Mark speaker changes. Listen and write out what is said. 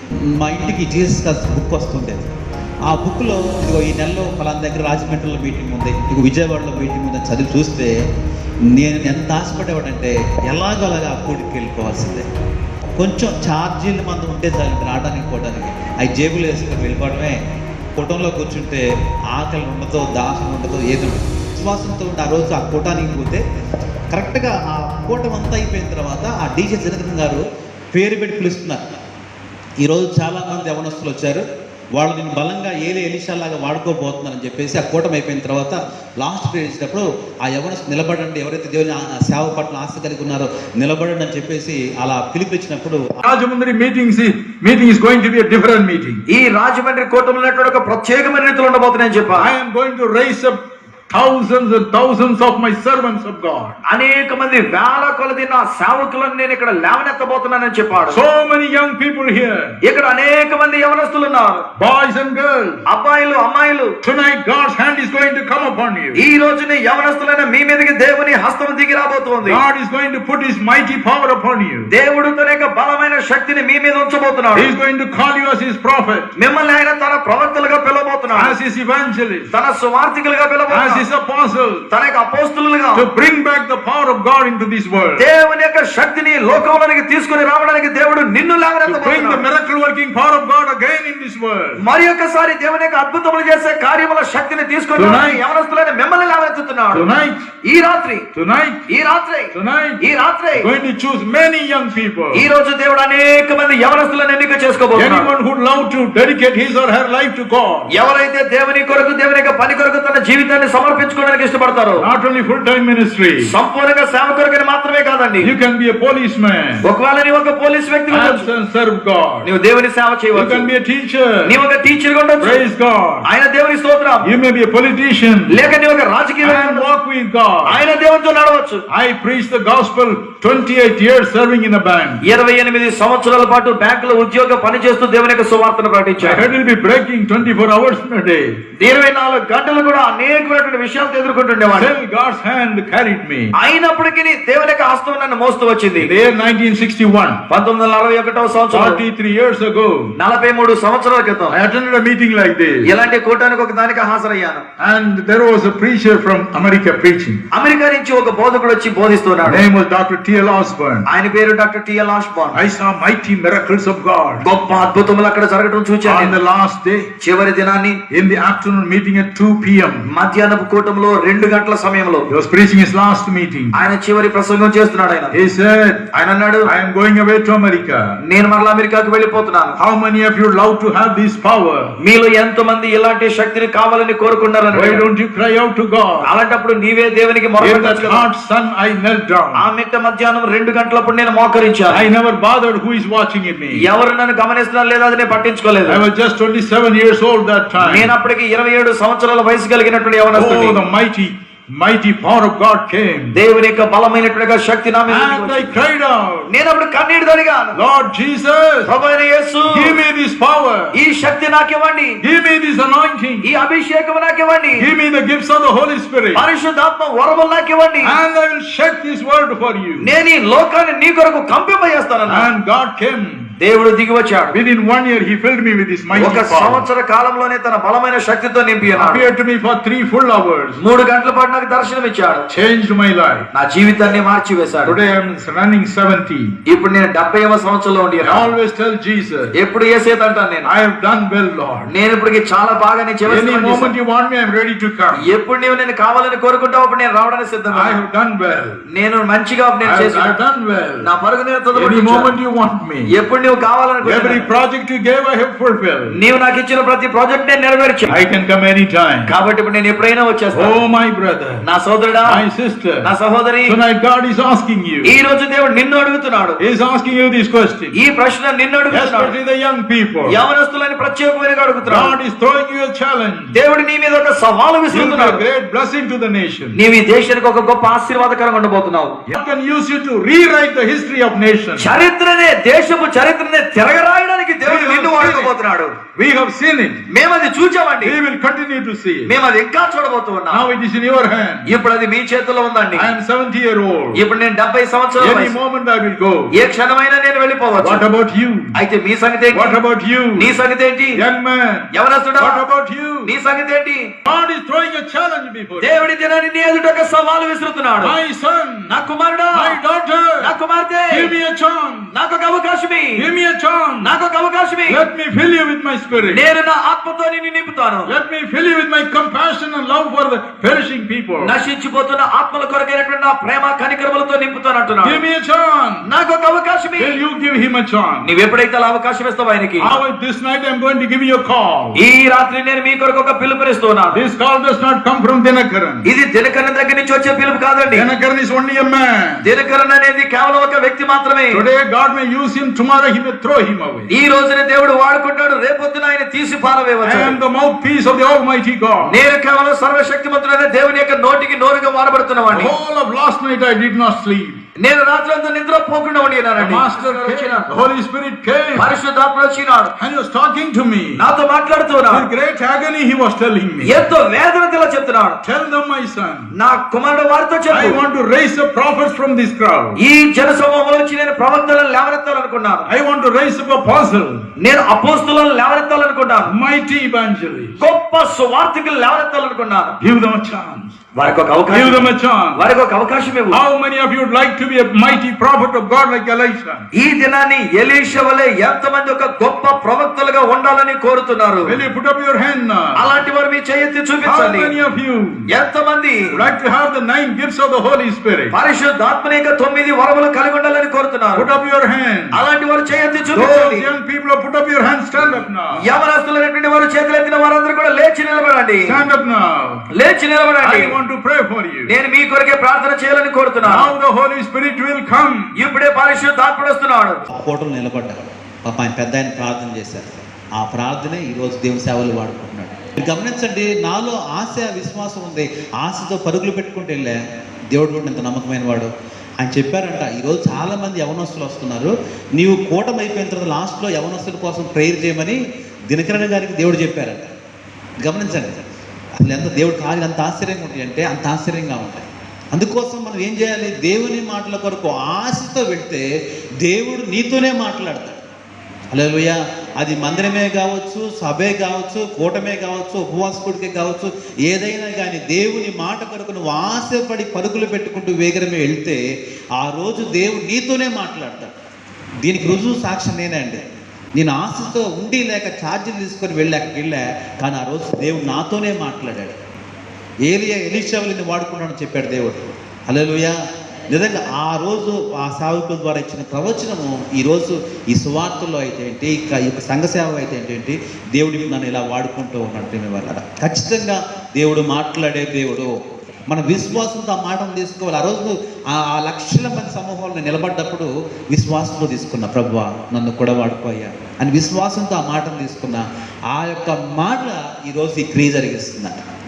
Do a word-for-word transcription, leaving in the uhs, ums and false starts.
Speaker 1: మా ఇంటికి Jesus cos book వస్తుండేది. ఆ బుక్లో ఇదిగో ఈ నెలలో ఫలానా దగ్గర రాజమండ్రిలో మీటింగ్ ఉంది, ఇదిగో విజయవాడలో మీటింగ్ ఉంది అని చదివి చూస్తే నేను ఎంత ఆశపడేవాడంటే ఎలాగోలాగా ఆ కూడికి వెళ్ళిపోవాల్సిందే. కొంచెం ఛార్జీలు మంది ఉంటే చాలు రావడానికి పోవడానికి, అవి జేబులు వేసుకొని వెళ్ళిపోవడమే. కూటంలో కూర్చుంటే ఆకలి ఉండదో, దాహం ఉండదో, ఏది ఉండదు. విశ్వాసంతో ఉండి ఆ రోజు ఆ కూటానికి పోతే కరెక్ట్గా ఆ కూటం అంతా అయిపోయిన తర్వాత ఆ డీజే జనకన్ గారు పేరు పెట్టి పిలుస్తున్నారు. ఈరోజు చాలామంది యవనస్తులు వచ్చారు, వాళ్ళు నేను బలంగా ఏలే ఎలిషాలాగా వాడుకోబోతున్నారని చెప్పేసి ఆ కూటమి అయిపోయిన తర్వాత లాస్ట్ ప్రేయర్ ఇచ్చినప్పుడు ఆ యవనస్తులు నిలబడండి, ఎవరైతే దేవుని సేవ పట్ల ఆస్తి కలిగి ఉన్నారో నిలబడండి అని చెప్పేసి అలా పిలిపించినప్పుడు
Speaker 2: Rajahmundry meetings meeting is going to be a different meeting.
Speaker 3: ఈ రాజమండ్రి కూటమిలో ఒక ప్రత్యేకమైన రీతిలో ఉండబోతున్నాయని చెప్పారు.
Speaker 2: I am going to raise up thousands and thousands of my servants of God.
Speaker 3: అనేక మంది వేల కొలది నా సేవకులను నేను ఇక్కడ లేవనెత్తబోతున్నానని చెప్పాడు.
Speaker 2: So many young people here,
Speaker 3: ఇక్కడ అనేక మంది యవనస్తులు ఉన్నారు,
Speaker 2: boys and girls.
Speaker 3: అబ్బాయిలు అమ్మాయిలు.
Speaker 2: Tonight God's hand is going to come upon you.
Speaker 3: ఈ రోజున యవనస్తులైన మీ మీదకి దేవుని హస్తం దిగి రాబోతోంది.
Speaker 2: God is going to put his mighty power upon you.
Speaker 3: దేవుడు తన యొక్క బలమైన శక్తిని మీ మీద ఉంచబోతున్నాడు.
Speaker 2: He is going to call you as his prophet,
Speaker 3: మిమ్మల్ని ఆయన తన ప్రవక్తలుగా పిలవబోతున్నాడు,
Speaker 2: as his evangelist,
Speaker 3: తన సువార్థికులుగా
Speaker 2: as
Speaker 3: పిలవబోతున్నాడు,
Speaker 2: his apostle,
Speaker 3: తన యొక్క అపోస్తలులుగా,
Speaker 2: to bring back the power of God into this world,
Speaker 3: దేవుని యొక్క శక్తిని లోకంలోనికి తీసుకొని రావడానికి దేవుడు నిన్ను
Speaker 2: to bring the
Speaker 3: లేవనెత్తబోతున్నాడు.
Speaker 2: miracle working power of God again in this world.
Speaker 3: మరి ఒక్కసారి దేవుని యొక్క అద్భుతములు చేసే కార్యముల శక్తిని తీసుకొని
Speaker 2: Tonight.
Speaker 3: యవనస్తులైన మిమ్మల్ని లేవనెత్తుతున్నాడు.
Speaker 2: Tonight,
Speaker 3: ఈ రాత్రి
Speaker 2: tonight,
Speaker 3: ఈ రాత్రి
Speaker 2: tonight,
Speaker 3: ఈ రాత్రి
Speaker 2: going to choose many young people.
Speaker 3: ఈ రోజు దేవుడు అనేక మంది యవనస్తులను ఎన్నిక చేసుకోబోతున్నాడు.
Speaker 2: Anyone who would love to dedicate his or her life to God,
Speaker 3: ఎవరైతే దేవుని కొరకు దేవుని యొక్క పని కొరకు తన జీవితాన్ని సమర్పించుకోవడానికి ఇష్టపడతారో,
Speaker 2: not only full-time ministry,
Speaker 3: సంపూర్ణంగా సేవ కొరకని మాత్రమే కాదండి,
Speaker 2: you can be a policeman,
Speaker 3: ఒకవేళ నీవు ఒక పోలీస్ వ్యక్తి ఉండొచ్చు,
Speaker 2: and serve God.
Speaker 3: నీవు దేవుని సేవ
Speaker 2: You
Speaker 3: చేయవచ్చు,
Speaker 2: can be a teacher,
Speaker 3: నీవు ఒక టీచర్ గా ఉండొచ్చు,
Speaker 2: praise God.
Speaker 3: ఆయన దేవుని స్తోత్రం.
Speaker 2: You may be a politician,
Speaker 3: లేక నీవు ఒక రాజకీయ
Speaker 2: and walk with God.
Speaker 3: ఆయన దేవునితో నడవచ్చు.
Speaker 2: I preached the gospel twenty-eight years serving in a bank.
Speaker 3: ఇరవై ఎనిమిది సంవత్సరాల పాటు బ్యాంకులో ఉద్యోగ పని చేస్తూ దేవుని యొక్క సువార్తను
Speaker 2: I
Speaker 3: ప్రకటించాడు.
Speaker 2: had to be breaking twenty-four hours in a day.
Speaker 3: ఇరవై నాలుగు గంటలు కూడా అనేకమైనటువంటి విషయాలు ఎదుర్కొంటుండేవాడు.
Speaker 2: Still God's hand carried me.
Speaker 3: అయినప్పటికీ దేవుని యొక్క హస్తం నన్ను మోస్తూ వచ్చింది.
Speaker 2: The year nineteen sixty-one,
Speaker 3: పంతొమ్మిది వందల నలభై ఒకటవ సంవత్సరం,
Speaker 2: forty-three years ago,
Speaker 3: నలభై మూడు సంవత్సరాల క్రితం
Speaker 2: I attended a meeting like this,
Speaker 3: ఇలాంటి కూటానికి ఒక దానికి హాజరయ్యాను.
Speaker 2: and there was a preacher from America preaching.
Speaker 3: America నుంచి ఒక బోధకుడు వచ్చి బోధిస్తున్నాడు.
Speaker 2: Name was Doctor T L Osborne.
Speaker 3: ఆయన పేరు doctor T L Osborne.
Speaker 2: I saw mighty miracles of God.
Speaker 3: గొప్ప అద్భుతములు అక్కడ జరగడం చూచాను.
Speaker 2: On the last day,
Speaker 3: చివరి దినాన్ని
Speaker 2: in the afternoon meeting at two p.m.,
Speaker 3: మధ్యాహ్నపు కూటంలో రెండు గంటల సమయంలో
Speaker 2: he was preaching his last meeting.
Speaker 3: ఆయన చివరి ప్రసంగం చేస్తున్నాడు. ఆయన
Speaker 2: He said,
Speaker 3: ఆయన అన్నాడు,
Speaker 2: I am going away to America.
Speaker 3: నేను మరలా అమెరికాకు వెళ్ళిపోతున్నాను.
Speaker 2: How many of you love to have this power?
Speaker 3: మీలో ఎంత మంది ఇలాంటి శక్తిని కావాలని కోరుకున్నారని.
Speaker 2: Why don't you cry out to God?
Speaker 3: అలాంటప్పుడు నీవే దేవునికి
Speaker 2: In
Speaker 3: మొరపెట్టొచ్చు
Speaker 2: that
Speaker 3: కదా.
Speaker 2: hot sun, I knelt down.
Speaker 3: ఆ మిట్ట మధ్యాహ్నం రెండు గంటలప్పుడు నేను మోకరించాను.
Speaker 2: I never bothered who is watching at me.
Speaker 3: ఎవరు నన్ను గమనిస్తున్నారు లేదా అది నేను పట్టించుకోలేదు.
Speaker 2: I was just twenty-seven years old that time.
Speaker 3: నేను అప్పటికి ఇరవై ఏడు సంవత్సరాల వయసు కలిగినటువంటి యవనస్తుడిని.
Speaker 2: Oh, the mighty, mighty power of God came.
Speaker 3: దేవుని యొక్క బలమైనటువంటి శక్తి నా మీద
Speaker 2: And I cried out,
Speaker 3: నేను అప్పుడు కన్నీరు తొడిగాను.
Speaker 2: Lord Jesus,
Speaker 3: ప్రభువైన యేసు,
Speaker 2: give me this power.
Speaker 3: ఈ శక్తి నాకు ఇవ్వండి,
Speaker 2: Give me this anointing.
Speaker 3: ఈ అభిషేకం నాకు ఇవ్వండి,
Speaker 2: Give me the gifts of the Holy Spirit.
Speaker 3: పరిశుద్ధాత్మ వరములు నాకు ఇవ్వండి,
Speaker 2: And I will shake this world for you.
Speaker 3: నేను ఈ లోకాన్ని నీ కొరకు కంపింపజేస్తానన్నా.
Speaker 2: And God came.
Speaker 3: దేవుడు దిగి వచ్చాడు.
Speaker 2: Within one year, He filled me with His mighty
Speaker 3: ఒక
Speaker 2: power.
Speaker 3: సంవత్సర కాలంలోనే తన బలమైన శక్తితో నింపి ఉన్నాడు.
Speaker 2: Appeared to me for three full hours.
Speaker 3: మూడు గంటల పాటు నాకు దర్శనం ఇచ్చాడు.
Speaker 2: Changed my life.
Speaker 3: నా జీవితాన్ని మార్చి వేశాడు.
Speaker 2: Today I am running seventy.
Speaker 3: ఇప్పుడు నేను డెబ్బైవ సంవత్సరంలో ఉండి
Speaker 2: I always tell Jesus,
Speaker 3: ఎప్పుడు యేసేది అంటాను నేను,
Speaker 2: I have done well, Lord.
Speaker 3: నేను ఇప్పటికి చాలా బాగా నీ చివరి
Speaker 2: Any
Speaker 3: సేవ
Speaker 2: moment
Speaker 3: చేశాను.
Speaker 2: you want me, I am ready to come.
Speaker 3: ఎప్పుడు నీవు నేను కావాలని కోరుకుంటావు అప్పుడు నేను రావడానికి సిద్ధంగా
Speaker 2: I
Speaker 3: ఉన్నాను.
Speaker 2: have done well.
Speaker 3: నేను మంచిగా
Speaker 2: I
Speaker 3: నేను
Speaker 2: have, I
Speaker 3: చేశాను.
Speaker 2: have done well.
Speaker 3: నా పరుగు నేను
Speaker 2: Any
Speaker 3: తొందరపడించాను.
Speaker 2: moment you want me.
Speaker 3: ఎప్పుడు నీవు కావాలని
Speaker 2: Every project you gave, I have fulfilled.
Speaker 3: నీవు నాకు ఇచ్చిన ప్రతి ప్రాజెక్ట్ నేను నెరవేర్చాను.
Speaker 2: I can come anytime.
Speaker 3: కాబట్టి ఇప్పుడు నేను ఎప్పుడైనా వచ్చేస్తాను.
Speaker 2: Oh, my brother,
Speaker 3: నా సోదరుడా,
Speaker 2: my sister,
Speaker 3: నా సహోదరి,
Speaker 2: tonight God is asking you.
Speaker 3: ఈ రోజు దేవుడు నిన్ను అడుగుతున్నాడు.
Speaker 2: He is asking you this question.
Speaker 3: ఈ ప్రశ్న నిన్ను అడుగుతున్నాడు.
Speaker 2: Especially the young people.
Speaker 3: యవనస్తులని ప్రత్యేకమైన అడుగుతున్నాడు.
Speaker 2: God is throwing you a challenge.
Speaker 3: దేవుడు నీ మీద ఒక సవాలు
Speaker 2: You will be
Speaker 3: విసురుతున్నాడు.
Speaker 2: a great blessing to the nation.
Speaker 3: నీవు ఈ దేశానికి ఒక గొప్ప ఆశీర్వాదకరంగా ఉండబోతున్నావు.
Speaker 2: God can use you to rewrite the history of nations.
Speaker 3: చరిత్రనే, దేశపు చరిత్రనే తిరగరాయడానికి దేవుడు నిన్ను వాడుకోబోతున్నాడు. చేయబోతున్నాడు.
Speaker 2: We have seen it.
Speaker 3: మేము అది చూచామండి.
Speaker 2: We will continue to see it.
Speaker 3: మేము అది ఇంకా చూడబోతూ ఉన్నాం.
Speaker 2: Now it is in your hand.
Speaker 3: ఇప్పుడు అది మీ చేతిలో ఉందండి.
Speaker 2: I am seventy year old.
Speaker 3: ఇప్పుడు నేను డెబ్బై సంవత్సరాల
Speaker 2: Any
Speaker 3: వయసు.
Speaker 2: moment I will go.
Speaker 3: ఏ క్షణమైనా నేను వెళ్ళిపోవచ్చు.
Speaker 2: What about you?
Speaker 3: అయితే మీ సంగతి ఏంటి?
Speaker 2: What about you?
Speaker 3: నీ సంగతి ఏంటి?
Speaker 2: Young man.
Speaker 3: యవనస్తుడా,
Speaker 2: What about you?
Speaker 3: నీ సంగతి ఏంటి?
Speaker 2: God is throwing a challenge before you.
Speaker 3: దేవుడి దినాన్ని నీ ఎదుట ఒక సవాలు విసురుతున్నాడు.
Speaker 2: My son,
Speaker 3: నా కుమారుడా,
Speaker 2: my daughter,
Speaker 3: నా కుమార్తె,
Speaker 2: give me a chance.
Speaker 3: నాకు ఒక అవకాశం ఇయ్యి.
Speaker 2: Give me a chance.
Speaker 3: నాకు ఒక అవకాశం ఇయ్యి.
Speaker 2: Let me fill you with my spirit.
Speaker 3: నేను నా ఆత్మతో నిన్ను నింపుతాను.
Speaker 2: Let me fill you with my compassion and love for the perishing people.
Speaker 3: నశించిపోతున్న ఆత్మల కొరకైనటువంటి నా ప్రేమ కనికరములతో నింపుతాను అంటున్నాడు.
Speaker 2: Give me a chance.
Speaker 3: నాకు ఒక అవకాశం ఇయ్యి.
Speaker 2: Will you give him a chance?
Speaker 3: నీవు ఎప్పుడైతే అలా అవకాశం ఇస్తావు ఆయనకి.
Speaker 2: How this night I am going to give you a call.
Speaker 3: ఈ రాత్రి నేను మీ కొరకు ఒక పిలుపునిస్తున్నాను.
Speaker 2: This call does not come from Dinakaran.
Speaker 3: ఇది దినకరణ దగ్గర నుంచి వచ్చే పిలుపు కాదండి.
Speaker 2: Dinakaran is only a man.
Speaker 3: దినకరణ అనేది కేవలం ఒక వ్యక్తి మాత్రమే.
Speaker 2: Today God may use him, tomorrow he may throw him away.
Speaker 3: ఈ రోజున దేవుడు వాడుకుంటాడు, రేపొద్దున ఆయన తీసి
Speaker 2: I
Speaker 3: పారవేయవచ్చు.
Speaker 2: am the mouthpiece of the Almighty God.
Speaker 3: నేను కేవలం సర్వశక్తిమంతుడైన దేవుని యొక్క నోటికి నోరుగా వాడబడుతున్నవాడిని.
Speaker 2: The whole of last night I did not sleep.
Speaker 3: నేను రాత్రి అంతా నిద్ర పోకుండా
Speaker 2: The
Speaker 3: ఉండినానండి.
Speaker 2: Master came, the Holy Spirit came,
Speaker 3: పరిశుద్ధాత్మ వచ్చినాడు,
Speaker 2: and he was talking to me.
Speaker 3: నాతో మాట్లాడుతున్నాడు.
Speaker 2: With great agony he was telling me,
Speaker 3: ఎంతో వేదనతో ఇలా చెప్తున్నాడు.
Speaker 2: tell them, my son,
Speaker 3: నా కుమారుడు వారితో
Speaker 2: I
Speaker 3: చెప్పు,
Speaker 2: want to raise up prophets from this crowd.
Speaker 3: ఈ జన సమూహంలో నుంచి నేను ప్రవక్తలను లేవనెత్తాలనుకున్నాను.
Speaker 2: I want to raise up apostles,
Speaker 3: నేను అపోస్తలులను లేవనెత్తాలనుకున్నాను.
Speaker 2: mighty evangelists.
Speaker 3: గొప్ప సువార్తికులు లేవనెత్తాలనుకున్నాను.
Speaker 2: Give them a chance.
Speaker 3: వారికి ఒక
Speaker 2: Give
Speaker 3: అవకాశం,
Speaker 2: them a chance.
Speaker 3: వారికి ఒక అవకాశం ఇవ్వు.
Speaker 2: How many of you would like to be a mighty prophet of God like Elisha?
Speaker 3: ఈ దినాన్ని ఎలీషా వలె ఎంతమంది ఒక గొప్ప ప్రవక్తలుగా ఉండాలని కోరుతున్నారు?
Speaker 2: Will you put up your hand now?
Speaker 3: అలాంటి వారు మీ చేయెత్తి
Speaker 2: How
Speaker 3: చూపించండి.
Speaker 2: many of you
Speaker 3: ఎంతమంది
Speaker 2: would like to have the nine gifts of the Holy Spirit?
Speaker 3: పరిశుద్ధాత్మని యొక్క తొమ్మిది వరములు కలిగి ఉండాలని కోరుతున్నారు?
Speaker 2: Put up your hand.
Speaker 3: అలాంటి వారు చేయెత్తి
Speaker 2: Those
Speaker 3: చూపించండి.
Speaker 2: young people who put up your hand, stand up now.
Speaker 3: యవనస్తులైనటువంటి వారు చేతులెత్తిన వారందరూ కూడా లేచి నిలబడండి.
Speaker 2: Stand up now.
Speaker 3: లేచి నిలబడండి.
Speaker 2: I want to pray for you.
Speaker 3: నేను మీ కొరకే ప్రార్థన చేయాలని కోరుతున్నాను.
Speaker 2: Now the Holy Spirit will come.
Speaker 3: ఇప్పుడే పరిశుద్ధాత్ముడు వస్తున్నాడు.
Speaker 1: ఫోటోలు నిలబడ్డారు. పాప ఆయన పెద్ద ఆయన ప్రార్థన చేశారు. ఆ ప్రార్థనే ఈరోజు దేవుని సేవలు వాడుకుంటున్నాడు. మీరు గమనించండి, నాలో ఆశ విశ్వాసం ఉంది. ఆశతో పరుగులు పెట్టుకుంటూ వెళ్ళా. దేవుడు కూడా ఇంత నమ్మకమైన వాడు. ఆయన చెప్పారంట, ఈరోజు చాలా మంది యవనస్తులు వస్తున్నారు, నీవు కూటమి అయిపోయిన తర్వాత లాస్ట్లో యవనస్తుల కోసం ప్రేయర్ చేయమని దినకరణ గారికి దేవుడు చెప్పారంట. గమనించండి, అసలు ఎంత దేవుడు కార్యాలు అంత ఆశ్చర్యంగా ఉంటాయి అంటే అంత ఆశ్చర్యంగా ఉంటాయి. అందుకోసం మనం ఏం చేయాలి? దేవుని మాటల కొరకు ఆశతో వెళ్తే దేవుడు నీతోనే మాట్లాడతాడు. హల్లెలూయా. అది మందిరమే కావచ్చు, సభే కావచ్చు, కూటమే కావచ్చు, ఉపవాసకుడికే కావచ్చు, ఏదైనా కానీ దేవుని మాట కొరకు నువ్వు ఆశపడి పరుగులు పెట్టుకుంటూ వేగరమే వెళ్తే ఆ రోజు దేవుడు నీతోనే మాట్లాడతాడు. దీనికి రుజువు సాక్ష్యం నేనే అండి. నేను ఆశతో ఉండి లేక ఛార్జీలు తీసుకొని వెళ్ళి అక్కడికి వెళ్ళా, కానీ ఆ రోజు దేవుడు నాతోనే మాట్లాడాడు. ఏలియా ఎలీషాని వాడుకున్నాడని చెప్పాడు దేవుడు. హల్లెలూయా. నిజంగా ఆ రోజు ఆ సేవకుల ద్వారా ఇచ్చిన ప్రవచనము ఈరోజు ఈ సువార్తల్లో అయితే ఏంటి, ఈ యొక్క సంఘ సేవ అయితే ఏంటి, దేవుడికి నన్ను ఇలా వాడుకుంటూ ఉన్నాడు. మీ వల్ల ఖచ్చితంగా దేవుడు మాట్లాడే దేవుడు. మన విశ్వాసంతో ఆ మాటను తీసుకోవాలి. ఆ రోజు ఆ లక్షల మంది సమూహంలో నిలబడ్డప్పుడు విశ్వాసంతో తీసుకున్నా, ప్రభువా నన్ను కూడా వాడుకోయ్యా అని విశ్వాసంతో ఆ మాటను తీసుకున్నా. ఆ యొక్క మాట ఈరోజు ఈ క్రియ జరిగిస్తుందట.